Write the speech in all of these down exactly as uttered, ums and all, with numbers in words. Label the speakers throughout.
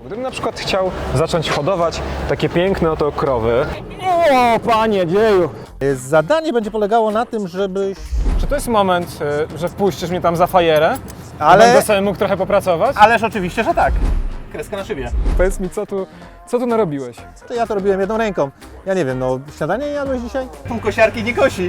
Speaker 1: Gdybym na przykład chciał zacząć hodować takie piękne oto krowy.
Speaker 2: O, panie dzieju!
Speaker 3: Zadanie będzie polegało na tym, żebyś...
Speaker 1: Czy to jest moment, y, że wpuścisz mnie tam za fajerę?
Speaker 3: Ale-
Speaker 1: Będę sobie mógł trochę popracować?
Speaker 3: Ależ oczywiście, że tak. Kreska na szybie.
Speaker 1: Powiedz mi, co tu, co tu narobiłeś?
Speaker 3: To ja to robiłem jedną ręką. Ja nie wiem, no śniadanie jadłeś dzisiaj? Pół kosiarki nie kosi.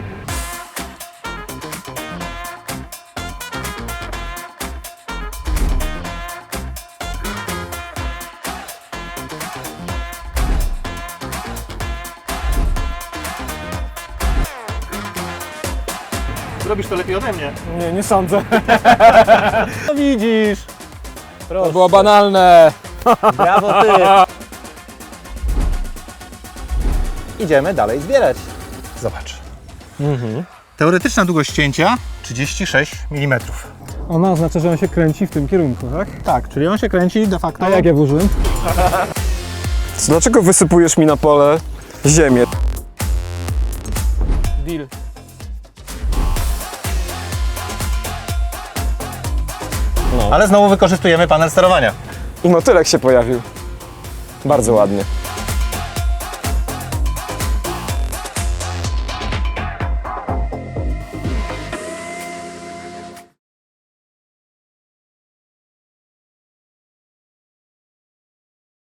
Speaker 3: Robisz to lepiej ode mnie.
Speaker 1: Nie, nie sądzę.
Speaker 3: No widzisz.
Speaker 1: To było banalne.
Speaker 3: Brawo ty. Idziemy dalej zbierać. Zobacz.
Speaker 1: Mhm.
Speaker 3: Teoretyczna długość cięcia trzydzieści sześć milimetrów.
Speaker 2: Ona oznacza, że on się kręci w tym kierunku, tak?
Speaker 3: Tak, czyli on się kręci de facto.
Speaker 2: A jak ja włożyłem?
Speaker 1: Dlaczego wysypujesz mi na pole ziemię? Deal.
Speaker 3: Ale znowu wykorzystujemy panel sterowania.
Speaker 1: I motylek się pojawił. Bardzo ładnie.